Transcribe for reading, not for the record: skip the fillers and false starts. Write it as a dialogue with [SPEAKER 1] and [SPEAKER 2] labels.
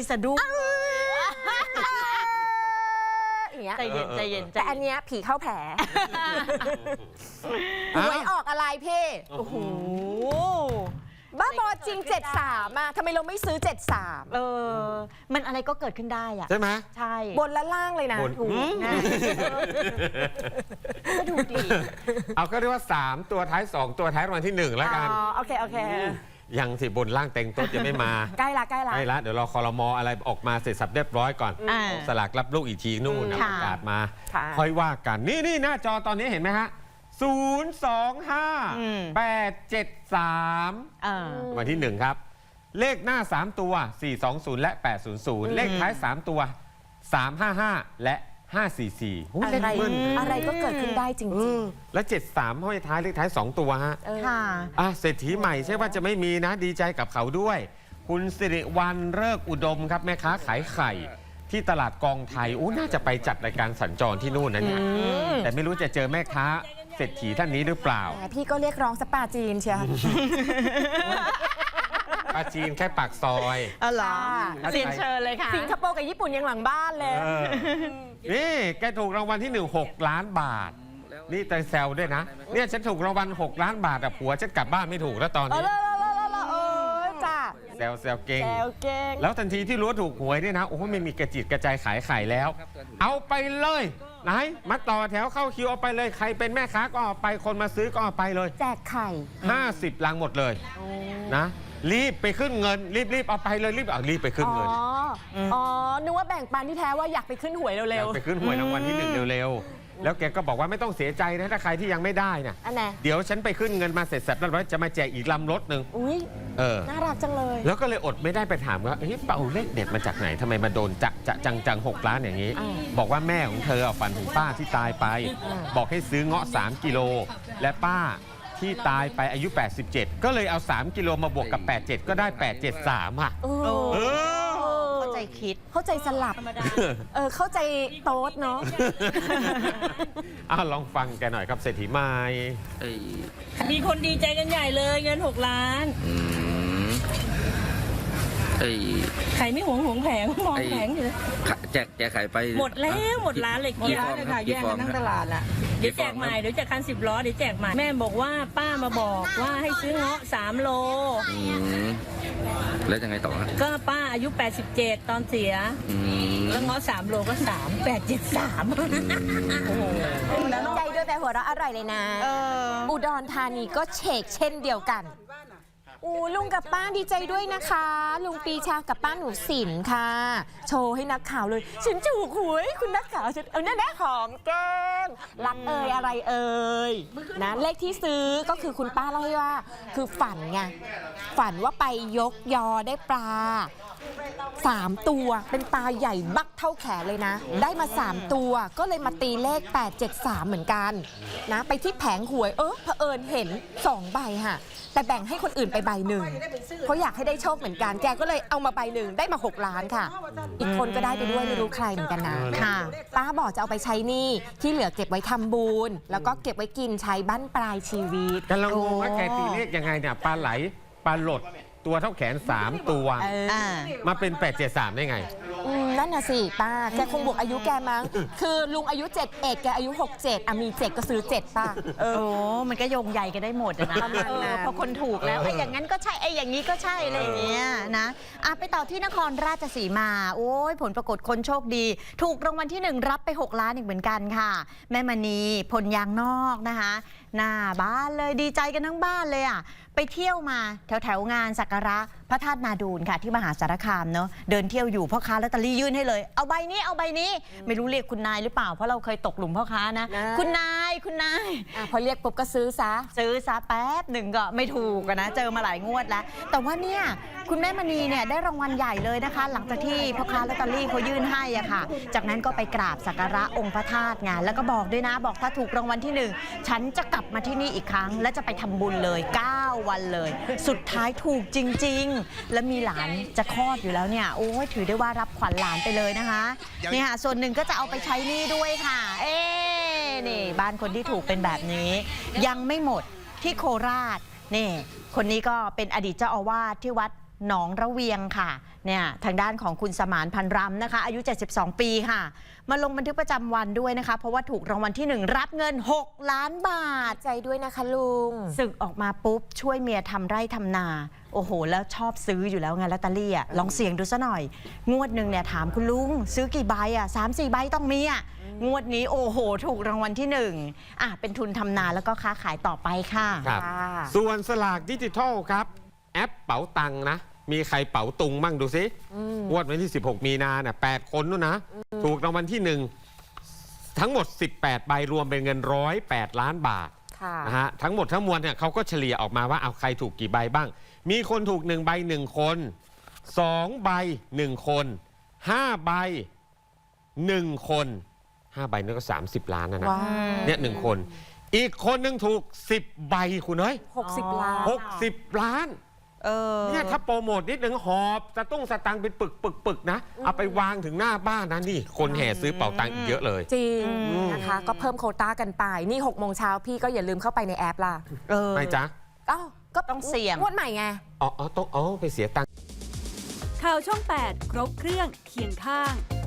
[SPEAKER 1] สะดุ้ง
[SPEAKER 2] ใจเย็นใจเย็นแต่อันเนี้ยผีเข้าแผลหวยออกอะไรพี่โอ้โหบ้าบอจริง73อ่ะทำไมเราไม่ซื้อ73
[SPEAKER 1] มันอะไรก็เกิดขึ้นได้อ่ะ
[SPEAKER 3] ใช่ไหม
[SPEAKER 1] ใช่
[SPEAKER 2] บนและล่างเลยนะถูกนะก็ดูดี
[SPEAKER 3] เอาก็เรียกว่า3ตัวท้าย2ตัวท้ายรางวัลที่1แล้วกัน
[SPEAKER 2] โอเคโอเค
[SPEAKER 3] ยังสิบนล่างเต็งโต๊ะยังไม่มา
[SPEAKER 2] ใกล้ละใกล้
[SPEAKER 3] ละเดี๋ยวรอครม.อะไรออกมาเสร็จสับเรียบร้อยก่อนสลากรับลูกอีกทีนู่นนะประกาศมาค่อยว่ากันนี่หน้าจอตอนนี้เห็นไหมฮะ025 873วันที่1ครับเลขหน้า3ตัว420และ800เลขท้าย3ตัว355และ544
[SPEAKER 2] อะไรก็เกิดขึ้นได้จริง
[SPEAKER 3] ๆและ73ห้อยท้ายเลขท้าย2ตัวฮะเศรษฐีใหม่ใช่ว่าจะไม่มีนะดีใจกับเขาด้วยคุณสิริวัลย์เลิกอุดมครับแม่ค้าขายไข่ที่ตลาดกองไทยน่าจะไปจัดรายการสัญจรที่นู่นนะเนี่ยแต่ไม่รู้จะเจอแม่ค้าเศรษฐีท่านนี้หรือเปล่า
[SPEAKER 2] พี่ก็เรียกร้องสปาจีนเชียว
[SPEAKER 3] ปาจีนแค่ปากซอย
[SPEAKER 1] เหรอเรียนเชิญเลยค่ะ
[SPEAKER 2] สิงคโปร์กับญี่ปุ่นยังหลังบ้านเลย
[SPEAKER 3] นี่แกถูกรางวัลที่6 ล้านบาทนี่แต่แซวด้วยนะเนี่ยฉันถูกรางวัล6 ล้านบาทผัวฉันกลับบ้านไม่ถูกแล้วตอนนี้
[SPEAKER 2] จ้า
[SPEAKER 3] แซวเก่งแล้วทันทีที่รู้ว่าถูกหวยเนี่ยนะโอ้โหไม่มีกระจิตกระจายขายไข่แล้วเอาไปเลยไหนมาต่อแถวเข้าคิวเอาไปเลยใครเป็นแม่ค้าก็เอาไปคนมาซื้อก็เอาไปเลย
[SPEAKER 2] แจกไข่
[SPEAKER 3] 50 ลังหมดเลยนะรีบไปขึ้นเงินรีบเอาไปเลยรีบไปขึ้นเงิน
[SPEAKER 2] นึกว่าแบ่งปันที่แท้ว่าอยากไปขึ้นหวยเร็ว
[SPEAKER 3] ๆไปขึ้นหวยรางวัลที่1เร็วๆแล้วแกก็บอกว่าไม่ต้องเสียใจนะถ้าใครที่ยังไม่ได้นะเดี๋ยวฉันไปขึ้นเงินมาเสร็จสับแล้วจะมาแจกอีกลำรถหนึ่ง
[SPEAKER 2] น่ารักจังเลย
[SPEAKER 3] แล้วก็เลยอดไม่ได้ไปถามว่าเป่าเลขเด็ดมาจากไหนทำไมมาโดนจะจัง6 ล้านอย่างนี้บอกว่าแม่ของเธอฝันถึงป้าที่ตายไปบอกให้ซื้อเงาะ3 กิโลและป้าที่ตายไปอายุ87ก็เลยเอา3 กิโลมาบวกกับ87ก็ได้873
[SPEAKER 1] เข้าใจคิด
[SPEAKER 2] เข้าใจสลับเข้าใจโต๊ดเนาะ
[SPEAKER 3] ลองฟังแกหน่อยครับเศรษฐีใหม่
[SPEAKER 4] มีคนดีใจกันใหญ่เลยเงิน6 ล้านไข่ไม่หวงแผงมองแผงอยู่
[SPEAKER 5] แจกไข่ไป
[SPEAKER 4] หมดแล้วหมดร้านเลย
[SPEAKER 5] กี่ฟองเลยค่ะแย่งกันทั้งตลาดละ
[SPEAKER 4] เดี๋ยวแจกใหม่เดี๋ยวจากคัน10 ล้อเดี๋ยวแจกใหม่แม่บอกว่าป้ามาบอกว่าให้ซื้อเงาะ3 โล
[SPEAKER 5] แล้วยังไงต่อ
[SPEAKER 4] ก็ป้าอายุ87ตอนเสียแล้วเงาะ3 โลก็3873
[SPEAKER 2] โอ้โหแล้วใจด้วยแต่หัวเราะอร่อยเลยนะอุดรธานีก็เชกเช่นเดียวกันลุงกับป้าดีใจด้วยนะคะลุงปีชากับป้าหนูสินค่ะโชว์ให้นักข่าวเลยฉันถูกหวยคุณนักข่าวฉันแน่หอมแก้มรักอะไรนะเลขที่ซื้อก็คือคุณป้าเล่าให้ว่าคือฝันไงฝันว่าไปยกยอได้ปลา3 ตัวเป็นปลาใหญ่บักเท่าแขนเลยนะได้มา3 ตัวก็เลยมาตีเลข873เหมือนกันนะไปที่แผงหวยเผอิญเห็น2 ใบค่ะแต่แบ่งให้คนอื่นไปใบหนึ่งเพราะอยากให้ได้โชคเหมือนกันแกก็เลยเอามาใบหนึ่งได้มา6 ล้านค่ะอีกคนก็ได้ไปด้วยไม่รู้ใครเหมือนกันนะค่ะป้าบอกจะเอาไปใช้หนี้ที่เหลือเก็บไว้ทำบุญแล้วก็เก็บไว้กินใช้บั้นปลายชีวิต
[SPEAKER 3] แต่เรางงว่าแกตีเลขยังไงเนี่ยปลาไหลปลาหลดตัวเท่าแขน3 ตัวมาเป็น873ได้ไง
[SPEAKER 2] นั่นน่ะสิป้าแกคงบวกอายุแกมั้งคือลุงอายุ71แกอายุ67มี7ก็ซื้อ7ป้า
[SPEAKER 1] มันก็โยงใหญ่กันได้หมดนะพอคนถูกแล้วอย่างนั้นก็ใช่อย่างนี้ก็ใช่อะไรอย่างเงี้ยนะไปต่อที่นครราชสีมาโอ้ยผลปรากฏคนโชคดีถูกรางวัลที่1รับไป6 ล้านอีกเหมือนกันค่ะแม่มณีพลยางนอกนะคะหน้าบ้านเลยดีใจกันทั้งบ้านเลยไปเที่ยวมาแถวงานสักการะพระธาตุนาดูนค่ะที่มหาสารคามเนาะเดินเที่ยวอยู่พ่อค้าลอตเตอรี่ยื่นให้เลยเอาใบนี้ไม่รู้เรียกคุณนายหรือเปล่าเพราะเราเคยตกหลุมพ่อค้านะคุณนาย
[SPEAKER 2] พอเรียกปุ๊บก็ซื้อซะ
[SPEAKER 1] แป๊บหนึ่งก็ไม่ถูกนะเจอมาหลายงวดแล้วแต่ว่าเนี่ยคุณแม่มณีเนี่ยได้รางวัลใหญ่เลยนะคะหลังจากที่พ่อค้าลอตเตอรี่เขายื่นให้ค่ะจากนั้นก็ไปกราบสักการะองค์พระธาตุไงแล้วก็บอกด้วยนะบอกถ้าถูกรางวัลที่1ฉันจะกลับมาที่นี่อีกครั้งและจะไปทำบุญเลย9 วันเลยสุดท้ายถูกจริงๆและมีหลานจะคลอดอยู่แล้วเนี่ยโอ้ยถือได้ว่ารับขวัญหลานไปเลยนะคะนี่ค่ะส่วนหนึ่งก็จะเอาไปใช้หนี้ด้วยค่ะนี่บ้านคนที่ถูกเป็นแบบนี้ยังไม่หมดที่โคราชนี่คนนี้ก็เป็นอดีตเจ้าอาวาสที่วัดหนองระเวียงค่ะเนี่ยทางด้านของคุณสมานพันรำนะคะอายุ 72 ปีค่ะมาลงบันทึกประจำวันด้วยนะคะเพราะว่าถูกรางวัลที่ 1 รับเงิน 6 ล้านบาท
[SPEAKER 2] ใจด้วยนะคะลุง
[SPEAKER 1] ศึกออกมาปุ๊บช่วยเมียทำไร่ทำนา โอ้โห แล้วชอบซื้ออยู่แล้วไงลอตเตอรี่อ่ะลองเสี่ยงดูซะหน่อย งวดหนึ่งเนี่ยถามคุณลุงซื้อกี่ใบอ่ะ3-4 ใบต้องมีอ่ะงวดนี้โอ้โห ถูกรางวัลที่ 1เป็นทุนทำนาแล้วก็ค้าขายต่อไปค่ะ
[SPEAKER 3] ครับ ส่วนสลากดิจิทัลครับ แอปเป๋าตังค์นะ มีใครเป๋าตุงมั่งดูสิงวดวันที่ 16 มีนาเนี่ย8 คนนู่นนะ ถูกรางวัลที่ 1 ทั้งหมด 18 ใบรวมเป็นเงิน108 ล้านบาทนะฮะทั้งหมดทั้งมวลเนี่ยเขาก็เฉลี่ยออกมาว่าเอาใครถูกกี่ใบบ้าง มีคนถูก1ใบ1คน2ใบ1คน5ใบ1คน5ใบนี่ก็30 ล้านนะ
[SPEAKER 2] ว้าว
[SPEAKER 3] เนี่ย1คนอีกคนหนึงถูก10ใบคุณเอ้ย
[SPEAKER 2] 60 ล้าน
[SPEAKER 3] 60 ล้านเนี่ยถ้าโปรโมทนิดนึงหอบสตังค์เป็นปึกนะ เอาไปวางถึงหน้าบ้านนะนี่ คนแห่ซื้อเป๋าตังค์อีกเยอะเลย
[SPEAKER 2] จริงนะคะก็เพิ่มโควต้ากันไปนี่6 โมงเช้าพี่ก็อย่าลืมเข้าไปในแอปล่ะ
[SPEAKER 3] ไม่จ๊ะ
[SPEAKER 2] อ้าวก็
[SPEAKER 1] ต้องเสี่ยง
[SPEAKER 2] งวดใหม่ไง
[SPEAKER 3] ต้องไปเสียตังค์
[SPEAKER 6] ข่าวช่อง 8 ครบเครื่องเคียงข้าง